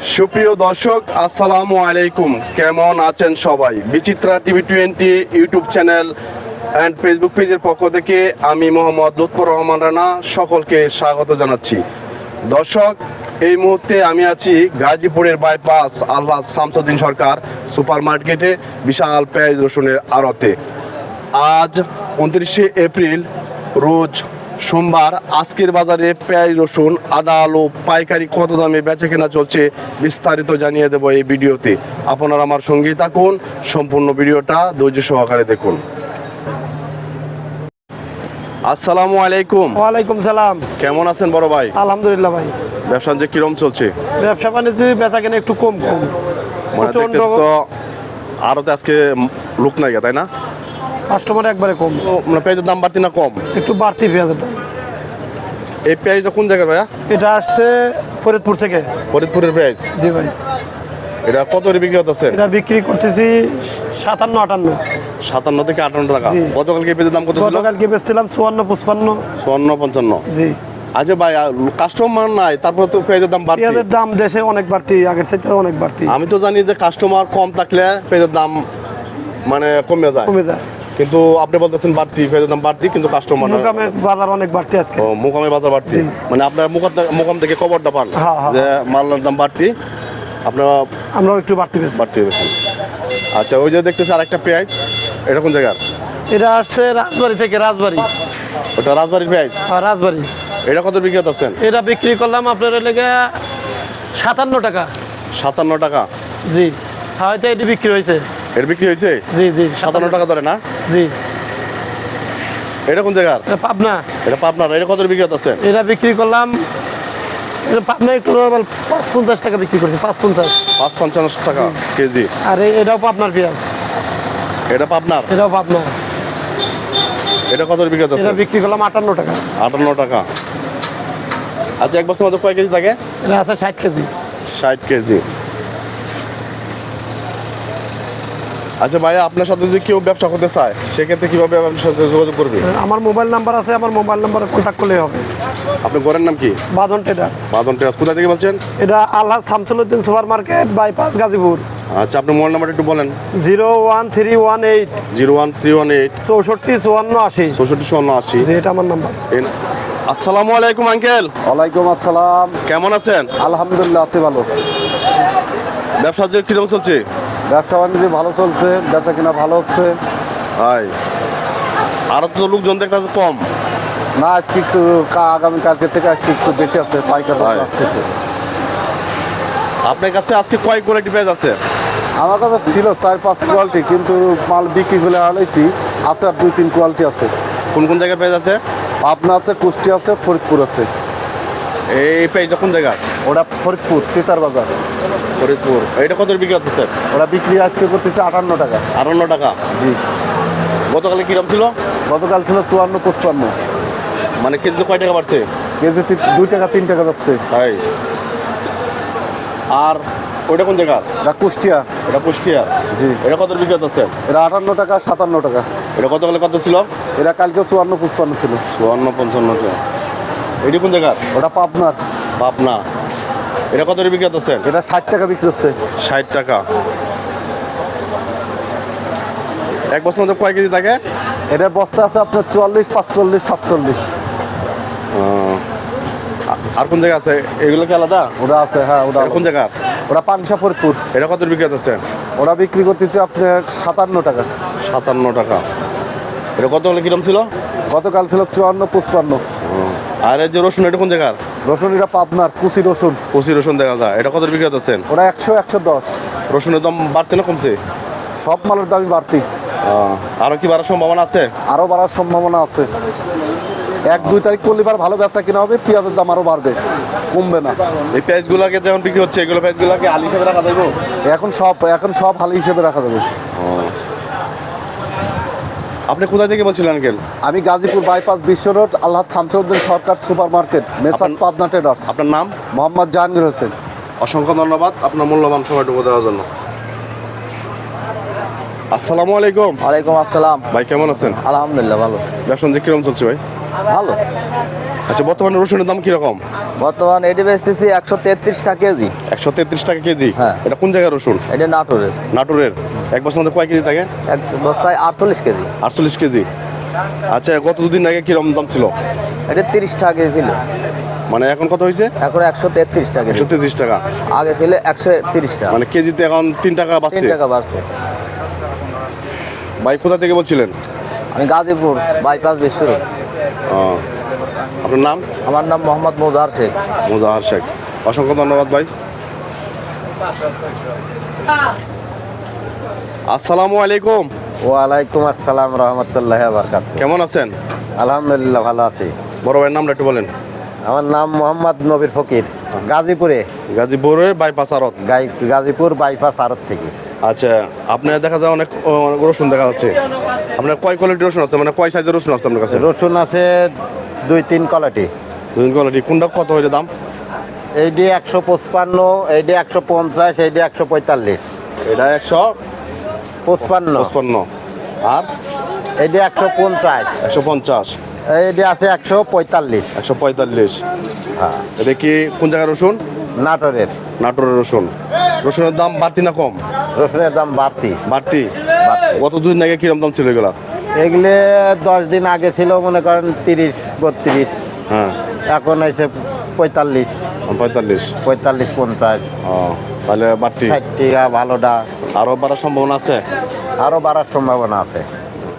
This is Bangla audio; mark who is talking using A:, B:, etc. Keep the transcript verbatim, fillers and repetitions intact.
A: সুপ্রিয় দর্শক, আসসালামু আলাইকুম। কেমন আছেন সবাই? Bichitra TV twenty YouTube channel and Facebook পেজের পক্ষ থেকে আমি মোহাম্মদ লুৎফর রহমান রানা সকলকে স্বাগত জানাচ্ছি। দর্শক, এই মুহূর্তে আমি আছি গাজীপুরের বাইপাস আলহাজ শামসুদ্দিন সরকার সুপার মার্কেটে বিশাল পেঁয়াজ রসুনের আড়তে। আজ উনত্রিশে এপ্রিল, রোজ সোমবার। আজকের বাজারে পেঁয়াজ রসুন, আদা, আলু পাইকারি কত দামে বেচা কেনা চলছে বিস্তারিত জানিয়ে দেবো এই ভিডিওতে। আপনারা আমার সঙ্গেই থাকুন, সম্পূর্ণ ভিডিওটা ধৈর্য সহকারে দেখুন। আসসালামু আলাইকুম।
B: ওয়ালাইকুম সালাম।
A: কেমন আছেন বড় ভাই?
B: আলহামদুলিল্লাহ ভাই।
A: ব্যবসা যে কিরম চলছে?
B: ব্যবসা বাণিজ্য বেচা কেনা একটু কম কম
A: মানে দেখতেছি তো আরতে আজকে লোক নাই, তাই না?
B: কাস্টমার একবারে কম।
A: তো মানে পেঁয়াজের দাম বাড়তি না কম?
B: একটু বাড়তি পেঁয়াজের দাম।
A: এই পেঁয়াজটা কোন জায়গায় ভাইয়া?
B: এটা আসছে ফরিদপুর থেকে।
A: ফরিদপুরের পেঁয়াজ?
B: জি ভাই।
A: এটা কত করে বিক্রি হতেছে?
B: এটা বিক্রি করতেছি সাতান্ন আটান্ন।
A: সাতান্ন থেকে আটান্ন টাকা। গতকালকে পেঁয়াজের দাম কত ছিল?
B: গতকালকে বেচছিলাম চুয়ান্ন পঁচপান্ন।
A: চুয়ান্ন পঞ্চান্ন।
B: জি।
A: আচ্ছা ভাই, কাস্টমার নাই তারপরে তো পেঁয়াজের দাম বাড়তি?
B: পেঁয়াজের দাম দেশে অনেক বাড়তি, আগের চাইতে অনেক বাড়তি।
A: আমি তো জানি যে কাস্টমার কম থাকলে পেঁয়াজের দাম মানে কমে যায়
B: কমে যায়,
A: কিন্তু আপনি বলতেছেন বাড়তি, পেঁয়াজের দাম বাড়তি কিন্তু কাস্টমার
B: মুকামে বাজার অনেক বাড়তি আজকে।
A: ও, মুকামে বাজার বাড়তি, মানে আপনার মুকাম থেকে খবরটা পান যে মালের দাম বাড়তি, আপনারা
B: আমরাও একটু বাড়তি পেয়েছি।
A: বাড়তি পেয়েছেন। আচ্ছা, ওই যে দেখতেছি আরেকটা পেঁয়াজ, এটা কোন জায়গার?
B: এটা আসছে রাজবাড়ি থেকে। রাজবাড়ি?
A: ওটা রাজবাড়ির পেঁয়াজ?
B: হ্যাঁ, রাজবাড়ি।
A: এটা কত বিক্রি করতেছেন?
B: এটা বিক্রি করলাম আপনার লেগে সাতান্ন টাকা।
A: সাতান্ন টাকা?
B: জি। হয়তো এটি বিক্রি হয়েছে।
A: এর বিক্রি হয়েছে?
B: জি জি।
A: সাতান্ন টাকা ধরে না?
B: জি।
A: এটা কোন জায়গার?
B: পাবনা।
A: এটা পাবনার। এটা কত বিক্রি করতেছেন?
B: এটা বিক্রি করলাম এটা পাবনা একটু নর্মাল পাঁচ পঞ্চাশ টাকা বিক্রি করছি। পাঁচ পঞ্চাশ।
A: পাঁচ পঞ্চান্ন টাকা কেজি।
B: আর এটাও পাবনার পেঁয়াজ।
A: এটা পাবনার?
B: এটাও পাবনা।
A: এটা কত বিক্রি করতেছেন?
B: এটা বিক্রি করলাম আটান্ন টাকা।
A: আটান্ন টাকা। আচ্ছা, এক বছর মধ্যে কয় কেজি থাকে?
B: এটা আছে ষাট কেজি।
A: ষাট কেজি। আচ্ছা ভাইয়া, আপনার সাথে যদি কেউ ব্যবসা করতে চায় সেক্ষেত্রে কিভাবে আপনার সাথে যোগাযোগ করবে?
B: আমার মোবাইল নাম্বার আছে, আমার মোবাইল নাম্বারে কন্ট্যাক্ট করলেই হবে।
A: আপনার ঘরের নাম কি?
B: বাঁধন ট্রেডার্স।
A: বাঁধন ট্রেডার্স। কোথা থেকে বলছেন?
B: এটা Alhaj Shamsuddin super market, bypass, Gazipur.
A: আচ্ছা, আপনার মোবাইল নাম্বারটা একটু বলেন।
B: Zero one three one eight
A: zero one three one eight
B: চৌষট্টি চুয়ান্ন আশি।
A: চৌষট্টি চুয়ান্ন আশি।
B: জি, এটা আমার নাম্বার।
A: আসসালামু আলাইকুম আঙ্কেল।
C: ওয়ালাইকুম আসসালাম।
A: কেমন আছেন?
C: আলহামদুলিল্লাহ আছি ভালো।
A: ব্যবসা যে কিরকম চলছে?
C: ব্যবসা বাণিজ্য ভালো চলছে, বেচা কিনা ভালো হচ্ছে।
A: হাই, আরো তো লোকজন দেখতেছে কম
C: না, আজকে একটু কা- আগামী কালকে থেকে আজকে একটু বেশি আছে, পাইকার
A: হয়।
C: আসতেছে।
A: আপনার কাছে আজকে কয় কোয়ালিটি পেঁয়াজ আছে?
C: আমার কাছে ছিল চার পাঁচ কোয়ালিটি, কিন্তু মাল বিক্রি করে হারাইছি। আছে আর দুই তিন কোয়ালিটি আছে।
A: কোন কোন জায়গার পেঁয়াজ আছে?
C: পাবনা আছে, কুষ্টি আছে, ফরিদপুর আছে।
A: এই পেঁয়াজটা কোন জায়গার?
C: ওটা ফরিদপুর সিতার বাজার।
A: ফরিদপুর। এটা কত বিক্রি করতেছে?
C: ওটা বিক্রি আজকে করতেছে আটান্ন টাকা।
A: আটান্ন টাকা।
C: জি।
A: গতকালে কিরম ছিল?
C: গতকাল ছিল চুয়ান্ন পঁচপান্ন।
A: মানে কেজিতে কয় টাকা বাড়ছে?
C: কেজি দুই টাকা তিন টাকা যাচ্ছে।
A: তাই? আর ওইটা কোন জায়গা?
C: এটা কুষ্টিয়া।
A: এটা কুষ্টিয়া?
C: জি।
A: এটা কত বিক্রি করতেছে?
C: এটা আটান্ন টাকা সাতান্ন টাকা।
A: এটা গতকালে কত ছিল?
C: এটা কালকে চুয়ান্ন পঁচপান্ন ছিল।
A: চুয়ান্ন পঞ্চান্ন টাকা। এটি কোন জায়গা?
C: ওটা পাবনার।
A: পাবনা। এটা কত বিক্রি করতেছেন?
C: এটা ষাট টাকা বিক্রি হচ্ছে।
A: ষাট টাকা। এক বছর মধ্যে কয় কেজি থাকে?
C: এটা বস্তা আছে আপনার চুয়াল্লিশ পাঁচচল্লিশ সাতচল্লিশ।
A: আর কোন জায়গা আছে? এগুলো কি আলাদা?
C: ওটা আছে, হ্যাঁ। ওটা
A: কোন জায়গা?
C: ওটা পাংশা ফরিদপুর।
A: এটা কত বিক্রি করতেছেন?
C: ওটা বিক্রি করতেছে আপনার সাতান্ন টাকা।
A: সাতান্ন টাকা। এটা কত হলে কিরম ছিল?
C: গতকাল ছিল চুয়ান্ন পঁচপান্ন।
A: আর এই যে রসুন, এটা কোন জায়গার?
C: রসুন এটা পাবনার, কুচি রসুন।
A: কচি রসুন দেখা যায়। এটা কত বিক্রি করতেছেন?
C: ওটা একশো একশো দশ।
A: রসুনের দাম বাড়ছে না কমছে?
C: সব মালের দামই বাড়তি।
A: আরো কি বাড়ার সম্ভাবনা আছে?
C: আরও বাড়ার সম্ভাবনা আছে। এক দুই তারিখ করলে বার ভালো ব্যবসা কিনা হবে, পেঁয়াজের দাম আরও বাড়বে, কমবে না।
A: এই পেঁয়াজগুলোকে যেমন বিক্রি হচ্ছে, এগুলো পেঁয়াজগুলোকে আলি হিসেবে রাখা যাবে?
C: এখন সব এখন সব হালি হিসেবে রাখা যাবে।
A: আপনি কোথা থেকে বলছিলেন আঙ্কেল?
C: আমি Gazipur bypass Biswa road Alhaj Shamsuddin Sarkar super market, messrs Pabna traders.
A: আপনার নাম?
C: মোহাম্মদ জাহাঙ্গীর হোসেন।
A: অসংখ্য ধন্যবাদ আপনার মূল্যবান সময়টুকু দেওয়ার জন্য। আসসালামু আলাইকুম।
D: ওয়ালাইকুম আসসালাম।
A: ভাই কেমন আছেন?
D: আলহামদুলিল্লাহ ভালো।
A: ব্যবসা যে কিরকম চলছে ভাই?
D: ভালো।
A: আচ্ছা, বর্তমানে রসুনের দাম কিরকম?
D: বর্তমান এটি বেচতেছি একশো তেত্রিশ টাকা কেজি।
A: একশো তেত্রিশ টাকা কেজি।
D: হ্যাঁ।
A: এটা কোন জায়গার রসুন?
D: এটা নাটোরের।
A: নাটোরের। এক বছর মধ্যে কয় কেজি থাকে?
D: এক বস্তায় আটচল্লিশ কেজি।
A: আটচল্লিশ কেজি। আচ্ছা, গত দুদিন আগে কিরকম দাম ছিল?
D: এটা তিরিশ টাকা কেজি ছিল,
A: মানে এখন কত হয়েছে?
D: এখন একশো তেত্রিশ টাকা
A: একশো
D: কেজি।
A: তেত্রিশ টাকা।
D: আগে ছিল একশো তিরিশ টাকা,
A: মানে কেজিতে এখন তিন টাকা
D: তিন
A: বাড়ছে।
D: টাকা বাড়ছে।
A: ভাই কোথা থেকে বলছিলেন?
D: আমি গাজীপুর বাইপাস বিশ্বর।
A: ও, আপনার নাম?
D: আমার নাম মোহাম্মদ মোজাহার শেখ।
A: মোজাহার শেখ। অসংখ্য ধন্যবাদ ভাই। আসসালামু আলাইকুম।
C: ওয়ালাইকুম আসসালাম রহমতুল্লাহ বারকাত।
A: কেমন আছেন?
C: আলহামদুলিল্লাহ ভালো আছি।
A: বড় ভাইয়ের নামটা একটু বলেন।
C: আমার নাম মোহাম্মদ নবীর ফকির, গাজীপুরে।
A: গাজীপুরে বাইপাস আড়ত।
C: গাই গাজীপুর বাইপাস আড়ত থেকে।
A: আচ্ছা, আপনার দেখা যায় অনেক অনেক রসুন দেখা যাচ্ছে। আপনার কয় কোয়ালিটির রসুন আছে, মানে কয় সাইজের রসুন আছে আপনার কাছে?
C: রসুন আছে দুই তিন কোয়ালিটি।
A: দুই কোয়ালিটি। কোনটা কত হইলে দাম?
C: এইটি একশো পঁচপান্ন, এইটি একশো পঞ্চাশ, এইটি একশো পঁয়তাল্লিশ।
A: এটা একশো
C: পঁচপান্ন,
A: পঁচপান্ন। আর
C: এইটি একশো পঞ্চাশ,
A: একশো পঞ্চাশ।
C: এইটি আছে একশো পঁয়তাল্লিশ।
A: একশো পঁয়তাল্লিশ।
C: হ্যাঁ,
A: এটা কি কোন জায়গার রসুন?
C: নাটোরের।
A: নাটোরের রসুন। রসুনের দাম বাড়তি না কম?
C: রসুনের দাম বাড়তি।
A: বাড়তি।
C: বাড়তি।
A: গত দুদিন আগে কিরম দাম ছিল এগুলা?
C: এগুলো দশ দিন আগে ছিল মনে করেন তিরিশ বত্রিশ,
A: হ্যাঁ,
C: এখন এসে পঁয়তাল্লিশ,
A: পঁয়তাল্লিশ।
C: পঁয়তাল্লিশ পঞ্চাশ,
A: ও, তাহলে বাড়তি।
C: ষাট টাকা ভালোটা।
A: আরও বাড়ার সম্ভাবনা আছে?
C: আরও বাড়ার সম্ভাবনা আছে।